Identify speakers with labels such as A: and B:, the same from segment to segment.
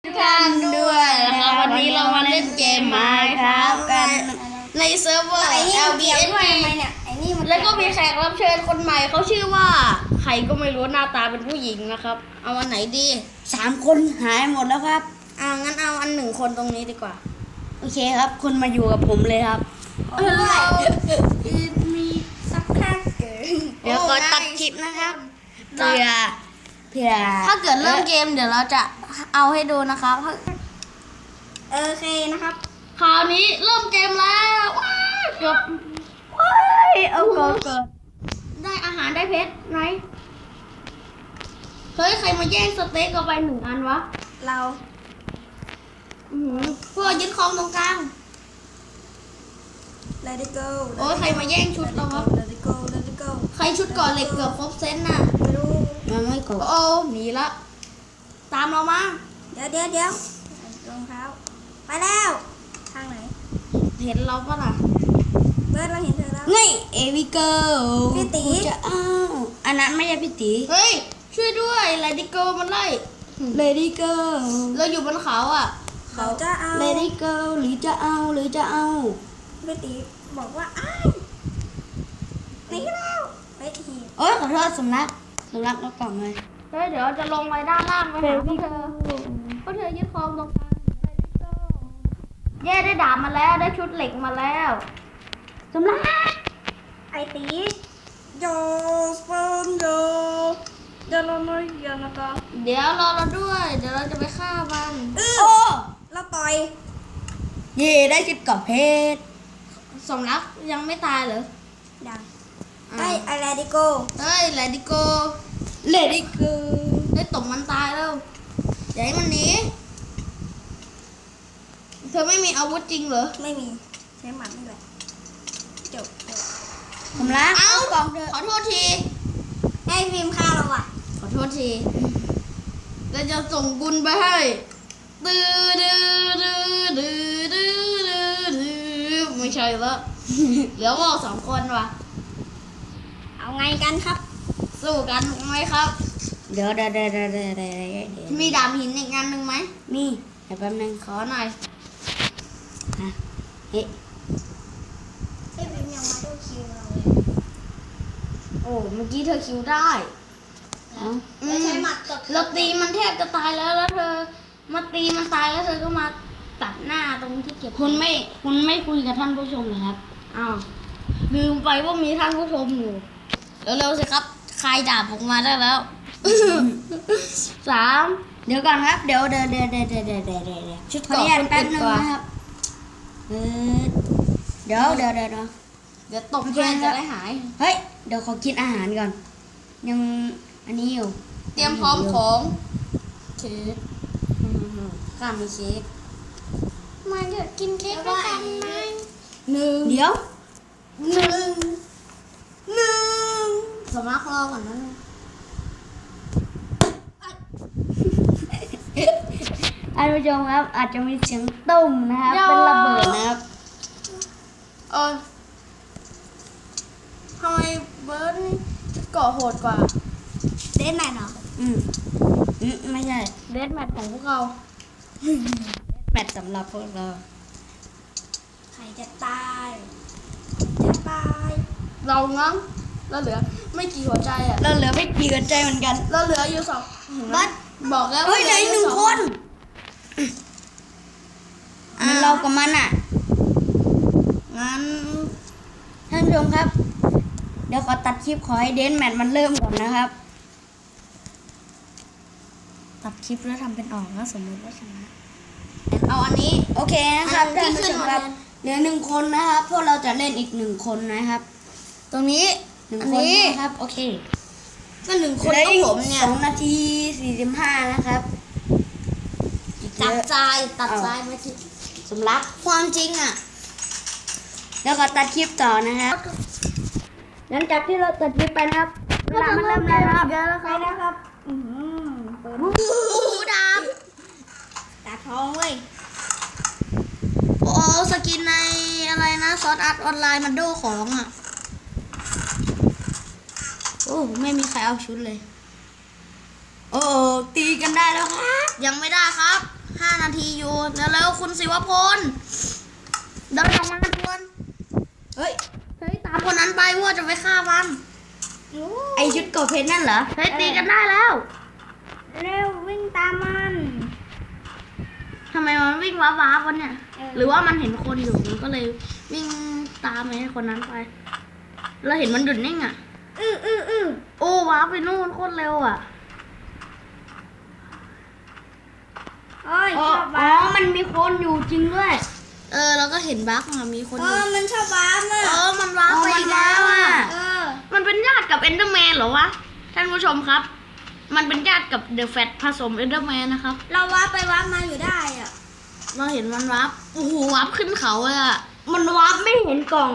A: ท่านด้วยนะครับวันนี้เรามาเล่นเกม Minecraft กันในเซิร์ฟเวอร์ LBSP แล้วก็มีแขกรับเชิญคนใหม่เขาชื่อว่าใครก็ไม่รู้หน้าตาเป็นผู้หญิงนะครับเอาวันไหนดี
B: 3 คนหายหมดแล้วครับ
A: งั้นเอาอัน1 คนตรงนี้ดีกว่า
B: โอเคครับคุณมาอยู่กับผมเลยครับ
A: มีสักพัก
B: เดี๋ยวก็ตัดคลิปนะครับเพื่อ
A: ถ้าเกิดเริ่มเกมเดี๋ยวเราจะเอาให้ดูนะครับ
B: โอเคนะครับ
A: คราวนี้เริ่มเกมแล้วเกือบ
B: เอาเกิด
A: ได้อาหารได้เพชรไหนเฮ้ยใครมาแย่งสเต็กเอาไป1 อันวะ
B: เรา
A: เพื่อยึดครองตรงกลาง
B: Let it go
A: โอ้ยใครมาแย่งชุดเราครับ
B: Let it go Let it go
A: ใครชุดก่อนเหล็กเกือบครบเซตน่ะ
B: ไม่รู้มันไม่กด
A: โอ้หนีละตามเรามา
B: เดี๋ยวรองเท้าไปแล้วทางไหน
A: เห็นเราปะล่ะ
B: เบิร์ดเราเห็นเธอแล้วนี่เอวิเกิลพี่ตีจะอันนั้นไม่ใช่พี่ตี
A: เฮ้ยช่วยด้วยไลดิโกมันไล่
B: เลดี้เกิล
A: เราอยู่บนเขาอ่ะ
B: เขาจะเอาเลดี้เกิลหรือจะเอาพี่ตีบอกว่าตีแล้วไปทีโอ้ยขอโทษสำลักแล้วกล่องเลย
A: เฮ้ยเดี๋ยวจะลงไปด้านล่างไปหาพวกเธอยึดครองตรงกลางแย่ได้ดาบมาแล้วได้ชุดเหล็กมาแล้ว
B: สำลักไอตีโยสเปิร์มโยเดี๋ยวเราไม่ยังนะคะ
A: เดี๋ยวรอเราด้วยเดี๋ยวเราจะไปฆ่ามัน
B: โอ้เราต่อยเย่ได้ชุดกรอบเพชร
A: สมรักยังไม่ตายเหรอ
B: ยังได้อะไรดิโก
A: เฮ้ยเลดิโกได้ตบมันตายแล้วอย่าให้มันหนีเธอไม่มีอาวุธจริงเหรอ
B: ไม่มีใช้หมัดนี่แหละจบผมรัก
A: เอากล่องเธอขอโทษที
B: ให้พิมพ์ฆ่าเราอ่ะ
A: ขอโทษทีเราจะส่งบุญไปให้ไม่ใช่แล้วเหลือว่า2 คนว่ะ
B: เอาไงกันครับ
A: สู้กันไหมครับ
B: เดี๋ยว
A: มีดาบหินอีกงานหนึ่งไหม
B: มีเดี๋ยวแป๊บนึง
A: ขอหน่อย
B: เฮ้ย
A: พิมยังมาดูคิวเราเลยโอ้เมื่อกี้เธอคิวได้
B: ไม่ใช่หมัด
A: เราตีมันแทบจะตายแล้วเธอมาตีมันตายแล้วเธอก็มาตัดหน้าตรงที่เก็บ
B: คุณไม่คุยกับท่านผู้ชมเลยครับ
A: อ้าวลืมไปว่ามีท่านผู้ชมอยู่เร็วๆสิครับคลายดาบออกมาได้แล้ว3
B: เดี๋ยวก่อนครับเดี๋ยว
A: ชุดก่อน
B: แป๊บนึงนะครับเดี๋ยว
A: ตบแค่จะได้หาย
B: เฮ้ยเดี๋ยวขอกินอาหารก่อนยังอันนี้อยู่
A: เตรียมพร้อมของเค้กข้ามีเค้กมาเดี๋ยวกินเค้กด้วยกันไหม
B: 1เดี๋ยว
A: สมัครรอก่อนนะ
B: ท่านผู้ชมครับอาจจะมีเสียงตุ้มนะครับเป็นระเบิดนะครับ
A: ทำไมเบิร์ดชุดเกาะโหดกว่า
B: เดนแมทเหรอไม่ใช่
A: เดนแมทของพวกเรา
B: แมทสำหรับพวกเราใครจะตาย
A: เรางั้งเราเหลือไม่กี่หัวใจอ่ะ
B: เราเหลือไม่กี่หัวใจเหมือนกัน
A: เราเหลืออยู่2บัสบอกแล้ว
B: เฮ้ยเหลืออีก1 คนเรากับมันอ่ะ
A: งั้น
B: ท่านผู้ชมครับเดี๋ยวขอตัดคลิปขอให้เดนแมทมันเริ่มก่อนนะครับตัดคลิปแล้วทำเป็นออกแล้วสมมติว่าชนะ
A: เอาอันนี้
B: โอเคนะครับท่านผู้ชมครับเหลือ1 คนนะครับพวกเราจะเล่นอีก1 คนนะครับ
A: ตรงนี้
B: 1 คนนะครับโอเค
A: ก็1 คนก็ผมเนี่ย
B: 2 นาที 45นะครับ
A: ตัดใจไม่คิด
B: สำลัก
A: ความจริงอ่ะ
B: แล้วก็ตัดคลิปต่อนะครับหลังจากที่เราตัดคลิปไปนะครับเวลามันเริ่มแล้วครับ
A: ไปนะครับ
B: เปิด
A: ดาบ
B: ตาทองเว้ย
A: โอ้สกินในอะไรนะซอสอาร์ตออนไลน์มันดูของอ่ะ
B: โอ้ไม่มีใครเอาชุดเลยโอ้ตีกันได้แล้วครับ
A: ยังไม่ได้ครับ 5 นาทีอยู่แล้วคุณศิวพลเดินออกมาทวนเฮ้ยตามคนนั้นไปว่าจะไปฆ่ามัน
B: ไอชุดเกาะเพชรนั่นเหรอ
A: เฮ้ยตีกันได้แล้ว
B: เร็ววิ่งตามมัน
A: ทำไมมันวิ่งว้าวๆวะเนี่ย หรือว่ามันเห็นคนอยู่มันก็เลยวิ่งตามไอ้คนนั้นไปเราเห็นมันหยุดนิ่งอ่ะโอ้ว้าไปนู่นโคตรเร็วอ่ะ
B: ชอบว้ามันมีคนอยู่จริงด้วย
A: เราก็เห็นบั๊กอะมีคนอยู่
B: มันชอบว้าอ่ะ
A: มันว้าไปอีกแล้วอ่ะ มันเป็นญาติกับเอนเดอร์แมนเหรอวะท่านผู้ชมครับ มันเป็นญาติกับเดอะแฟตผสมเอนเดอร์แมนนะครับ
B: เราว้าไปว้ามาอยู่ได้อ่ะ
A: เราเห็นมันว้าโอ้โหว้าขึ้นเขาเลยอ่ะ
B: มันว้าไม่เห็นกล่อง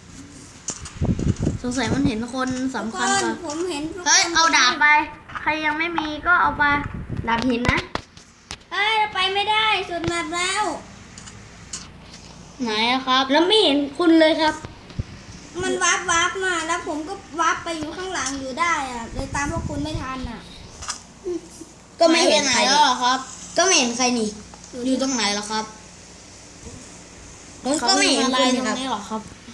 A: สงสัยมันเห็นคนสำคัญก่อน
B: ผมเห็น
A: เฮ้ยเอาดาบไปใครยังไม่มีก็เอาไปดาบหินนะ
B: ไปไม่ได้สุดแมปแล้ว
A: ไหนอะครับ
B: แล้วไม่เห็นคุณเลยครับ มันวาร์ปมาแล้วผมก็วาร์ปไปอยู่ข้างหลังอยู่ได้อ่ะเลยตามพวกคุณไม่ทันอ่ะ
A: ก็ไม่เห็นใครแล้วเหรอครับ
B: ก็ไม่เห็นใครนี่
A: อยู่ตรงไหนเหรอครับ
B: ผมก็ไม่เห็น
A: อะไร
B: คุณ
A: ตรง
B: ครับ
A: นี้เหรอครับ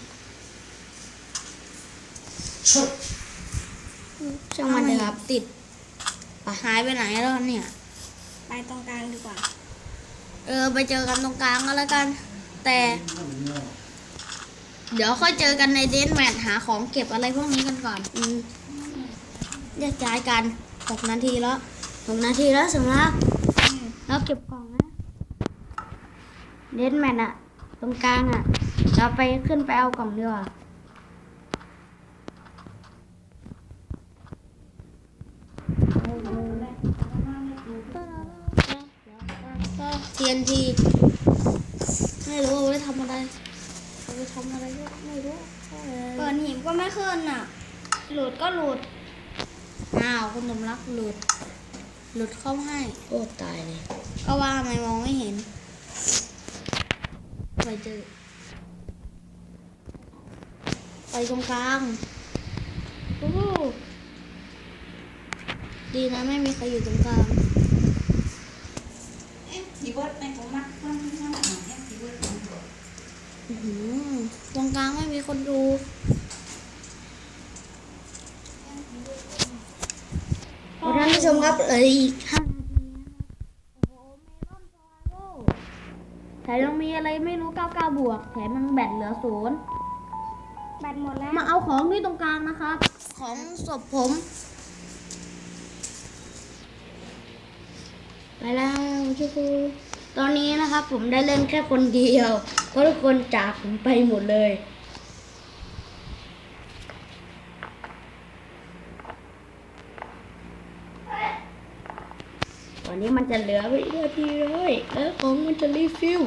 B: ช่างมันเลยครับ ติด
A: หายไปไหนแล้วเนี่ย
B: ไปตรงกลางดีกว่า
A: ไปเจอกันตรงกลางก็แล้วกัน แต่ เดี๋ยวค่อยเจอกันในเดนแมทหาของเก็บอะไรพวกนี้กันก่อนแยกย้ายกัน6 นาทีแล้ว6 นาทีแล้วสำหรับแล้วเก็บกล่องนะเดนแมทอะตรงกลางอะเราไปขึ้นไปเอากล่องดีกว่าTNT ไม่รู้เอาไว้ทำอะไรเอาไว้ทำอะไรก็ไม่รู้
B: เปิดหิมก็ไม่ขึ้นอ่ะ หลุดก็หลุด
A: อ้าวคุณสมรักหลุดเข้าให้โอ้ตายเลยก็ว่าทำไมมองไม่เห็นไปเจอไปตรงกลางโอ้ดีนะไม่มีใครอยู่ตรงกลางตรงกลางไม่มีคนดูท่านผู้ชมครับเหลืออีก5 นาทีโอ้โหเมลอนซาวโร่แถมยังมีอะไรไม่รู้99 บวกแถมมันแบตเหลือ0
B: แบตหมดแล้ว
A: มาเอาของที่ตรงกลางนะครับ ของศพผมไปแล้วชูคูตอนนี้นะครับผมได้เล่นแค่คนเดียวเพราะทุกคนจากผมไปหมดเลยตอนนี้มันจะเหลือวินาทีเลยแล้วของมันจะรีฟิล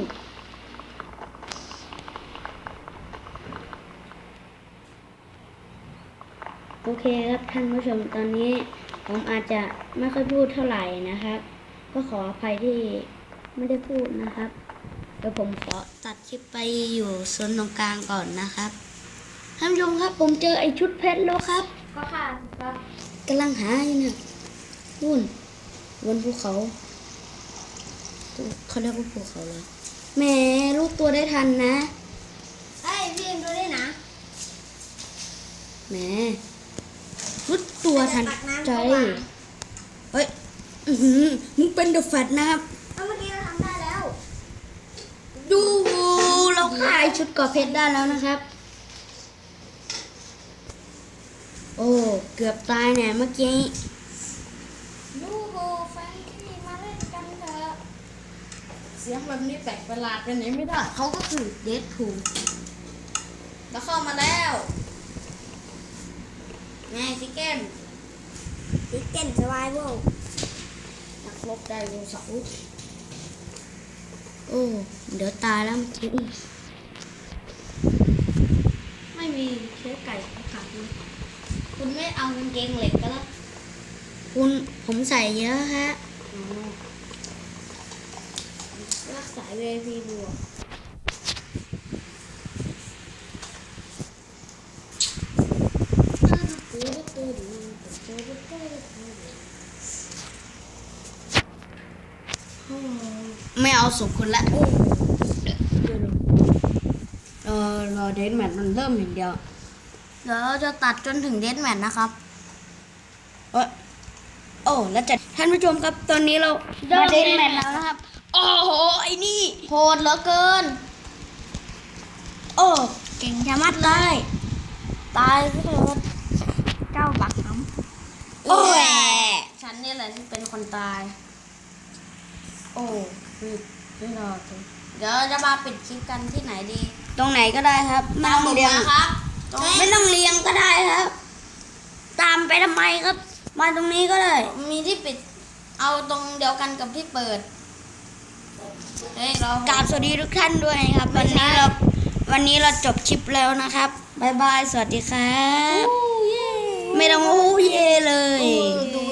A: โอเคครับท่านผู้ชมตอนนี้ผมอาจจะไม่ค่อยพูดเท่าไหร่นะครับก็ขออภัยที่ไม่ได้พูดนะครับเดี๋ยวผมขอตัดคลิปไปอยู่ส่วนตรงกลางก่อนนะครับท่านผู้ชมครับผมเจอไอชุดเพชรแล้วครับ
B: ก็ค่ะครับ
A: กำลังหาอยู่เนี่ยนู่นบนภูเขาเขาเรียกว่าภูเขาเลยแหมรู้ตัวได้ทันนะ
B: พี่ดูได้นะ
A: แหมรู้ตัวทันใจเฮ้ยมึงเป็นเดอะแฟตนะครับ
B: เมื่อกี้เราทำได้แล้ว
A: ดูเราขายชุดเกาะเพชรได้แล้วนะครับ โอ้เกือบตายเนี่ยเมื่อกี้
B: ดูโบแฟนที่มาเล่นกันเถอะ
A: เสียงแบบนี้แปลกประหลาดไปไหนไม่ได้เขาก็คือเดดพูลแล้วเข้ามาแล้วไงซิเก้น
B: ดิเจนสวายโว
A: นักรบไดโนเสาร์โอ้เดี๋ยวตายแล้วเมื่อกี้ไม่มีเชื้อไก่ของขาดเลยคุณไม่เอากางเกงเหล็กก็แล้วคุณผมใส่เยอะฮะรักสาย VIP บวก
C: ไม่เอาศพคนละรอเดนแมทมันเริ่มอย่างเดียว
A: เดี๋ยวเราจะตัดจนถึงเดสแมทนะครับ
C: โอ้แล้วจะท่านผู้ชมครับตอนนี้เรามาเดนแมทแล้วนะครับ โอ้โหไอ้นี่
A: โหดเหลือเกิน
C: โอ้
A: เก่งชะมัดเลย ตายซะเถิดเจ้าบักน้ำ
C: โอ้ย
A: ฉันนี่แหละที่เป็นคนตาย โอ้ไม่รอดเลยเดี๋ยวจะมาปิดคลิปกันที่ไหนดี
C: ตรงไหนก็ได้ครับไม่
A: ตาม
C: ต้
A: ผ
C: อง
A: ม
C: เรียง
A: นะครับตรง
C: ไม่ต้องเรียงก็ได้ครับ ตามไปทำไมครับ มาตรงนี้ก็ได้
A: มีที่ปิด เอาตรงเดียวกันกับที่เปิด เฮ้ยเรา
C: กราบสวัสดีทุกท่านด้วยนะครับ วันนี้เราจบคลิปแล้วนะครับบ๊ายบายสวัสดีครับ
A: โอ้เย่
C: ไม่ต้องโอ้เย่เลย
A: ดู